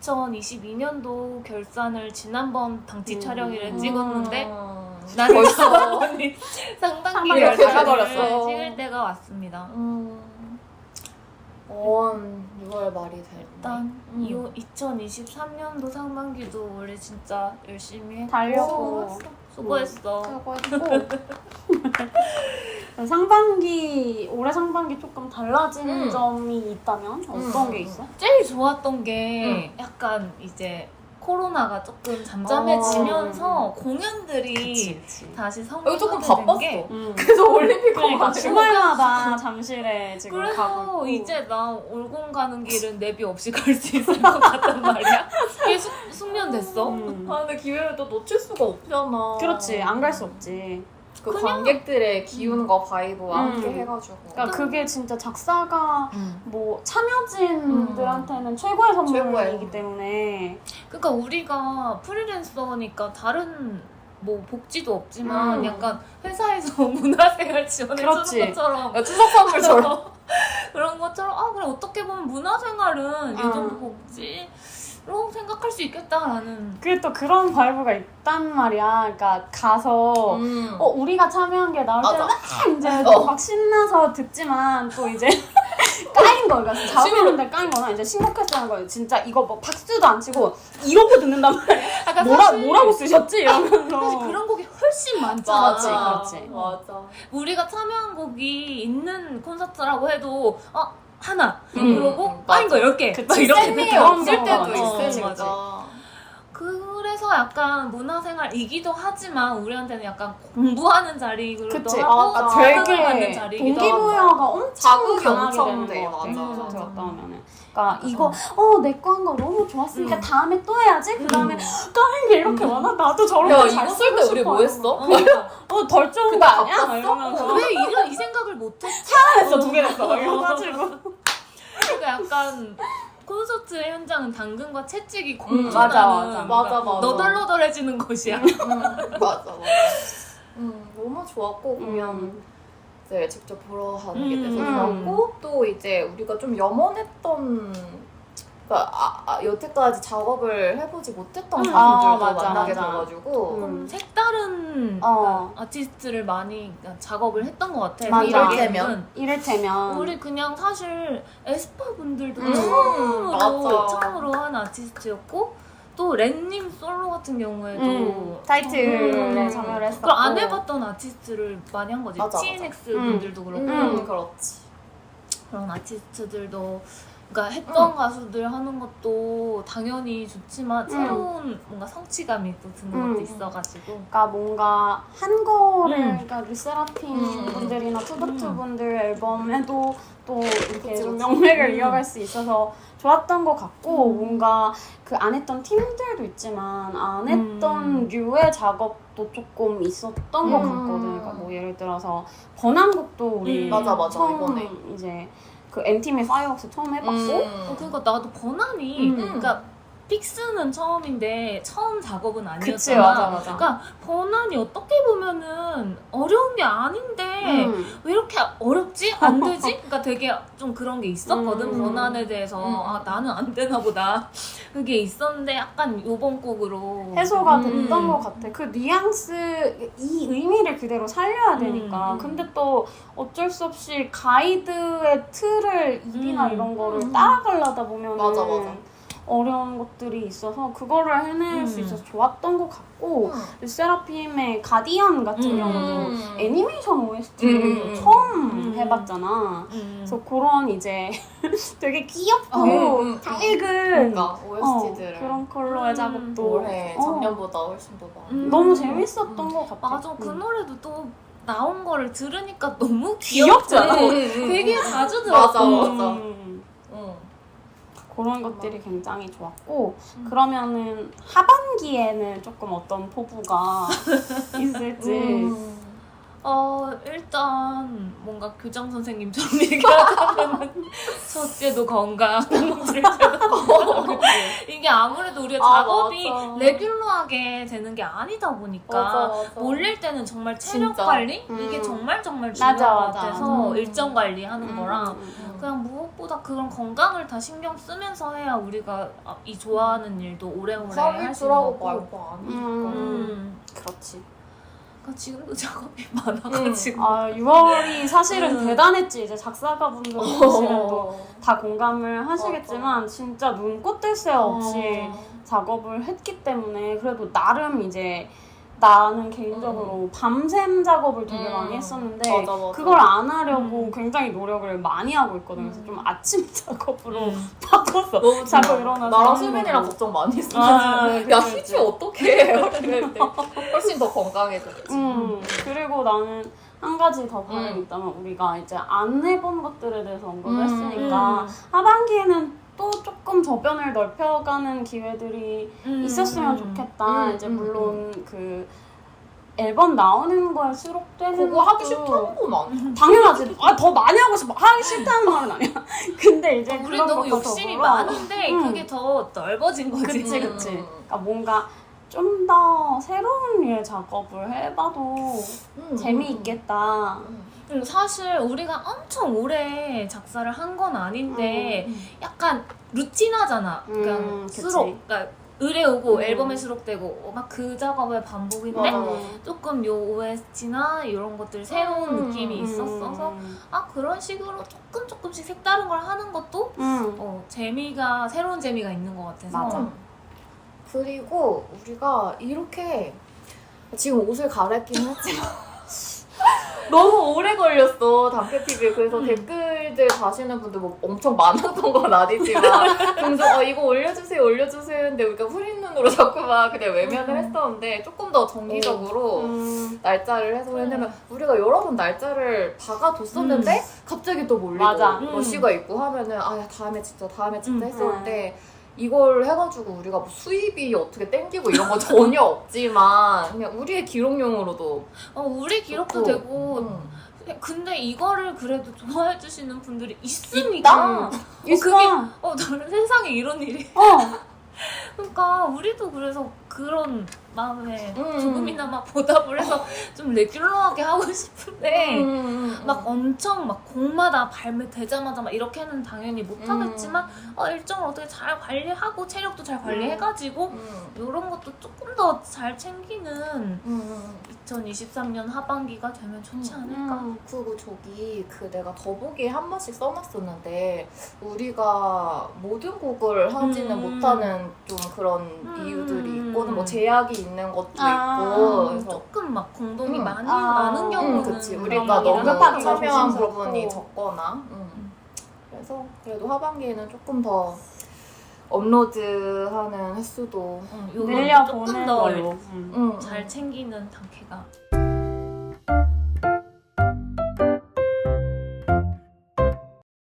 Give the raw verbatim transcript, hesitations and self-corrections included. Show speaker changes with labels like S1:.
S1: 이천이십이 년도 결산을 지난번 당직
S2: 음.
S1: 촬영일에 찍었는데
S3: 음.
S1: 나는
S3: 벌써
S1: 상반기
S2: 상반기가
S1: 결산을
S3: 가버렸어.
S1: 찍을 때가 왔습니다.
S3: 음. 원 유월 말이 될
S1: 일단
S3: 음.
S1: 이 이천이십삼 년도 상반기도 우리 진짜 열심히 했고
S2: 달렸고.
S1: 수고했어.
S2: 수고했고 상반기 올해 상반기 조금 달라진
S3: 음.
S2: 점이 있다면 어떤
S3: 음.
S2: 게 있어?
S1: 제일 좋았던 게 약간 이제 코로나가 조금 잠잠해지면서 공연들이
S2: 그치.
S1: 다시
S3: 여기 조금
S1: 성사되는
S3: 바빴어.
S1: 게
S2: 음.
S3: 그래서 올림픽
S2: 그러니까
S3: 가고
S2: 주말마다 잠실에 지금 가고
S1: 그래서
S2: 있고.
S1: 이제 나 올공 가는 길은 내비 없이 갈 수 있을 것 같단 말이야. 이게 숙, 숙련됐어.
S2: 음.
S3: 아 근데 기회를 또 놓칠 수가 없잖아.
S2: 그렇지, 안 갈 수 없지.
S3: 그
S1: 그냥-
S3: 관객들의 기운과 바이브와
S2: 음.
S3: 함께 해가지고.
S2: 그러니까 그게 진짜 작사가
S1: 음.
S2: 뭐 참여진들한테는 최고의 선물이기
S3: 최고의.
S2: 때문에
S1: 그러니까 우리가 프리랜서니까 다른 뭐 복지도 없지만
S2: 음.
S1: 약간 회사에서 문화생활 지원해
S2: 그렇지.
S1: 주는 것처럼
S3: 야, 추석 선물처럼.
S1: 그런 것처럼 아 그래 어떻게 보면 문화생활은 이
S2: 어.
S1: 정도 복지로 생각할 수 있겠다라는
S2: 그게 또 그런 바이브가 있단 말이야. 그러니까 가서
S3: 음.
S2: 어 우리가 참여한 게 나올 때는
S3: 맞아.
S2: 막 이제
S3: 어.
S2: 막 신나서 듣지만 또 이제 까인 거, 그러니까 자부는데 까인 거나 이제 심각했다는 거예요. 진짜 이거 뭐 박수도 안 치고 이러고 듣는단 말이야.
S1: 약간
S2: 뭐라
S1: 사실
S2: 뭐라고 쓰셨지 이러면서.
S1: 사실 그런 곡이 훨씬 많잖아.
S2: 그렇지, 그렇지.
S3: 맞아.
S1: 우리가 참여한 곡이 있는 콘서트라고 해도 어 하나
S2: 음,
S1: 그러고
S3: 음,
S1: 까인 거
S3: 맞아.
S1: 열 개
S2: 그치.
S1: 막 이렇게
S2: 쌤이
S1: 느껴.
S2: 없을
S3: 없을 때도
S2: 어,
S3: 있으니까.
S1: 그래서 약간 문화생활이기도 하지만 우리한테는 약간 공부하는 자리이기도
S2: 그치.
S1: 하고
S3: 아,
S1: 자극을
S2: 되게
S1: 받는 자리이기도 하고
S2: 동기부여가 엄청
S3: 자극이
S2: 강하게
S3: 엄청
S2: 되는
S3: 돼,
S2: 것 같아.
S3: 맞아.
S2: 콘서트
S1: 맞아.
S2: 갔다 오면은. 그러니까 이거 어 내 거 한 거 너무 좋았으니까
S1: 음.
S2: 다음에 또 해야지. 그 다음에 까인 게 이렇게 많아. 나도 저런
S3: 야,
S2: 거잘
S3: 이거 쓸 때 우리 뭐 했어?
S2: 어덜 좋은 거
S3: 근데
S2: 아니야? 막
S3: 바빴어?
S2: 이러면서
S1: 왜 이런 이 생각을 못했지?
S2: 했어 두 개 냈어. 막 이래가지고.
S1: 그러니까 약간 콘서트 현장은 당근과 채찍이
S3: 음,
S1: 공존하는
S2: 맞아, 맞아.
S3: 맞아, 맞아.
S1: 너덜너덜해지는 곳이야.
S3: 음, 맞아, 맞아. 음, 너무 좋았고, 공연
S2: 음.
S3: 이제 직접 보러 가는 게 돼서
S2: 음.
S3: 좋았고, 또 이제 우리가 좀 염원했던, 그러니까 아, 아, 여태까지 작업을 해보지 못했던
S1: 음.
S3: 분들도
S2: 아, 맞아,
S3: 만나게
S2: 맞아.
S3: 돼가지고,
S2: 음.
S1: 좀 색다른
S2: 어.
S1: 아티스트를 많이 작업을 했던 것 같아.
S2: 맞아.
S3: 이를테면?
S2: 이를테면
S1: 우리 그냥 사실 에스파 분들도
S3: 음,
S1: 처음으로
S3: 맞아.
S1: 처음으로 한 아티스트였고 또 렌님 솔로 같은 경우에도
S2: 음, 타이틀에
S1: 음.
S2: 참여를 했었고.
S1: 그걸 안 해봤던 아티스트를 많이 한 거지.
S3: 맞아, 맞아.
S1: 티엔엑스
S2: 음.
S1: 분들도 그렇고
S3: 음, 그렇지.
S1: 그런 아티스트들도 그러니까 했던
S3: 음.
S1: 가수들 하는 것도 당연히 좋지만 새로운 뭔가 성취감이 또 드는
S2: 음.
S1: 것도 있어가지고
S2: 그러니까 뭔가 한 거를
S1: 음.
S2: 그러니까 르세라핌
S3: 음.
S2: 분들이나 투더투
S1: 음.
S2: 분들 앨범에도 또 이렇게
S3: 그치,
S2: 좀
S3: 그치.
S2: 명맥을
S1: 음.
S2: 이어갈 수 있어서 좋았던 것 같고
S1: 음.
S2: 뭔가 그 안 했던 팀들도 있지만 안 했던
S1: 음.
S2: 류의 작업도 조금 있었던 것
S3: 음.
S2: 같거든. 그러니까 뭐 예를 들어서 번안곡도 우리
S1: 음.
S3: 맞아, 맞아,
S2: 처음
S3: 이번에.
S2: 이제 그 엔팀의 파이어웍스 처음 해봤고
S1: 어, 그러니까 나도 번안이
S2: 음.
S1: 그러니까 픽스는 처음인데 처음 작업은 아니었잖아.
S2: 그치, 맞아, 맞아.
S1: 그러니까 번안이 어떻게 보면은 어려운 게 아닌데
S2: 음.
S1: 왜 이렇게 어렵지? 안 되지? 그러니까 되게 좀 그런 게 있었거든.
S2: 음.
S1: 번안에 대해서
S3: 음.
S1: 아 나는 안 되나 보다. 그게 있었는데 약간 요번 곡으로
S2: 해소가
S1: 음.
S2: 됐던 것 같아. 그 뉘앙스, 이 의미를 그대로 살려야 되니까.
S1: 음.
S2: 근데 또 어쩔 수 없이 가이드의 틀을 입이나
S1: 음.
S2: 이런 거를
S1: 음.
S2: 따라가려다 보면
S3: 맞아, 맞아.
S2: 어려운 것들이 있어서 그거를 해낼 수
S1: 음.
S2: 있어서 좋았던 것 같고
S3: 음.
S2: 르세라핌의 가디언 같은
S1: 음.
S2: 경우도 애니메이션 오에스티를
S3: 음.
S2: 처음
S1: 음.
S2: 해봤잖아.
S1: 음.
S2: 그래서 그런 이제 되게 귀엽고
S3: 음, 음.
S2: 밝은
S3: 그러니까
S2: 어,
S3: 오에스티들을
S2: 그런 컬러의
S1: 음.
S2: 작업도
S3: 올해
S2: 어,
S3: 작년보다 훨씬 더 많이.
S1: 음.
S2: 너무 재밌었던
S1: 음.
S2: 것 같아.
S1: 맞아. 그
S2: 음.
S1: 노래도 또 나온 거를 들으니까 너무
S2: 귀엽잖아.
S1: 귀엽고
S3: 음, 음,
S1: 되게
S3: 음.
S1: 자주
S3: 맞아,
S1: 들었어.
S3: 맞아.
S2: 음,
S3: 응.
S2: 그런 것들이 굉장히 좋았고
S1: 음.
S2: 그러면은 하반기에는 조금 어떤 포부가 있을지
S3: 음.
S1: 어 일단 뭔가 교장 선생님처럼 얘기하자면 첫째도 건강, 둘째도 건강. 이게 아무래도 우리가
S3: 아,
S1: 작업이
S3: 맞아.
S1: 레귤러하게 되는 게 아니다 보니까
S3: 맞아, 맞아.
S1: 몰릴 때는 정말 체력
S3: 진짜.
S1: 관리
S2: 음.
S1: 이게 정말 정말 중요한
S2: 맞아,
S1: 것
S2: 맞아,
S1: 같아서
S3: 맞아.
S1: 일정 관리하는
S2: 음,
S1: 거랑
S2: 음, 음.
S1: 그냥 무엇보다 그런 건강을 다 신경 쓰면서 해야 우리가 이 좋아하는 일도 오래오래 할 수 있는
S3: 하루
S1: 거고.
S3: 말고 아니니까.
S2: 음.
S1: 음.
S2: 그렇지.
S1: 그러니까 지금도 작업이 많아가지고.
S2: 아 유월이 사실은
S1: 음.
S2: 대단했지. 이제 작사가분들 보시면 또
S3: 어.
S2: 다 공감을 하시겠지만 진짜 눈꽃 뜰 새 없이
S3: 어.
S2: 작업을 했기 때문에 그래도 나름 이제 나는 개인적으로 밤샘 작업을 되게
S3: 음.
S2: 많이 했었는데
S3: 맞아, 맞아.
S2: 그걸 안 하려고
S1: 음.
S2: 굉장히 노력을 많이 하고 있거든요. 그래서
S3: 음.
S2: 좀 아침 작업으로
S1: 음.
S2: 바꿨어.
S3: 너무
S2: 자고
S3: 좋아.
S2: 일어나서
S3: 나랑
S2: 하는
S3: 수빈이랑
S2: 거고.
S3: 걱정 많이 했어.
S2: 아,
S3: 야
S2: 그치,
S3: 희지
S2: 그치.
S3: 어떡해. 이랬는데 훨씬 더 건강해졌지.
S2: 음, 그리고 나는 한 가지 더 바람이
S3: 음.
S2: 있다면 우리가 이제 안 해본 것들에 대해서 언급을
S3: 음.
S2: 했으니까
S1: 음.
S2: 하반기에는 또 조금 저변을 넓혀가는 기회들이
S1: 음.
S2: 있었으면
S1: 음.
S2: 좋겠다.
S3: 음,
S2: 이제
S3: 음,
S2: 물론 그 앨범 나오는 거에 수록되는
S3: 그거 하기
S2: 것도
S3: 싫다는 건 아니야.
S2: 당연하지. 아, 더 많이 하고 싶어. 하기 싫다는 말은 아니야. 근데 이제
S1: 우리
S2: 그런
S1: 너무
S2: 것과
S1: 욕심이
S2: 더불어
S1: 많은데
S2: 음.
S1: 그게 더 넓어진 거지.
S2: 그치
S3: 음.
S2: 그치. 그러니까 뭔가 좀 더 새로운 일 작업을 해봐도
S3: 음,
S2: 재미있겠다.
S3: 음,
S1: 음, 사실 우리가 엄청 오래 작사를 한 건 아닌데
S3: 음.
S1: 약간 루틴하잖아. 그냥
S2: 음, 그치.
S1: 수록, 그러니까 의뢰 오고
S2: 음.
S1: 앨범에 수록되고 막 그 작업의 반복인데
S3: 맞아, 맞아.
S1: 조금 요 오에스티나 이런 것들 새로운
S3: 음.
S1: 느낌이 있었어서
S2: 음.
S1: 아 그런 식으로 조금 조금씩 색다른 걸 하는 것도
S2: 음.
S1: 어, 재미가 새로운 재미가 있는 것 같아서
S2: 맞아.
S3: 음. 그리고 우리가 이렇게 지금 옷을 갈아입긴 했지만 너무 오래 걸렸어 담배티비에. 그래서
S1: 음.
S3: 댓글들 다시는 분들 뭐 엄청 많았던 건 아니지만 종종 어, 이거 올려주세요 올려주세요 했는데 우리가 후린 눈으로 자꾸 막 그냥 외면을
S1: 음.
S3: 했었는데 조금 더 정기적으로
S2: 음.
S3: 날짜를 해서
S1: 그래.
S3: 왜냐면 우리가 여러 번 날짜를 박아뒀었는데 갑자기 또 몰리고
S2: 맞아.
S1: 음.
S3: 러시가 있고 하면은 아 야, 다음에 진짜 다음에 진짜
S1: 음.
S3: 했었는데 이걸 해가지고 우리가 뭐 수입이 어떻게 땡기고 이런 거 전혀 없지만 그냥 우리의 기록용으로도
S1: 어, 우리 기록도
S3: 좋고.
S1: 되고
S3: 음.
S1: 근데 이거를 그래도 좋아해 주시는 분들이 있으니까 어,
S2: 있어.
S1: 그게 어 나는 세상에 이런 일이
S2: 어.
S1: 그러니까 우리도 그래서 그런 마음에
S3: 음.
S1: 조금이나마 보답을 해서 좀 레귤러하게 하고 싶은데
S3: 음.
S1: 막 엄청 막 곡마다 발매되자마자 막 이렇게는 당연히 못 하겠지만 어, 일정을 어떻게 잘 관리하고 체력도 잘 관리해가지고
S3: 음.
S1: 이런 것도 조금 더 잘 챙기는
S3: 음.
S1: 이천이십삼 년 하반기가 되면 좋지 않을까.
S2: 음.
S3: 그리고 저기 그 내가 더보기에 한 번씩 써놨었는데 우리가 모든 곡을 하지는
S1: 음.
S3: 못하는 좀 그런
S1: 음.
S3: 이유들이 있고는 뭐 제약이 있는 것도
S2: 아.
S3: 있고 그래서
S1: 조금 막 공동이
S3: 음.
S1: 많이
S2: 아.
S1: 많은
S3: 음,
S1: 경우는
S3: 그치.
S1: 그런
S3: 우리가
S1: 얘기를
S3: 너무
S2: 급하게
S1: 하고.
S3: 참여한
S2: 조심스럽고.
S3: 부분이 적거나 음. 그래서 그래도 하반기에는 조금 더 업로드하는 횟수도
S1: 응, 요거 조금
S2: 늘려보는
S1: 더
S2: 걸로. 음.
S3: 음,
S1: 잘 챙기는 단계가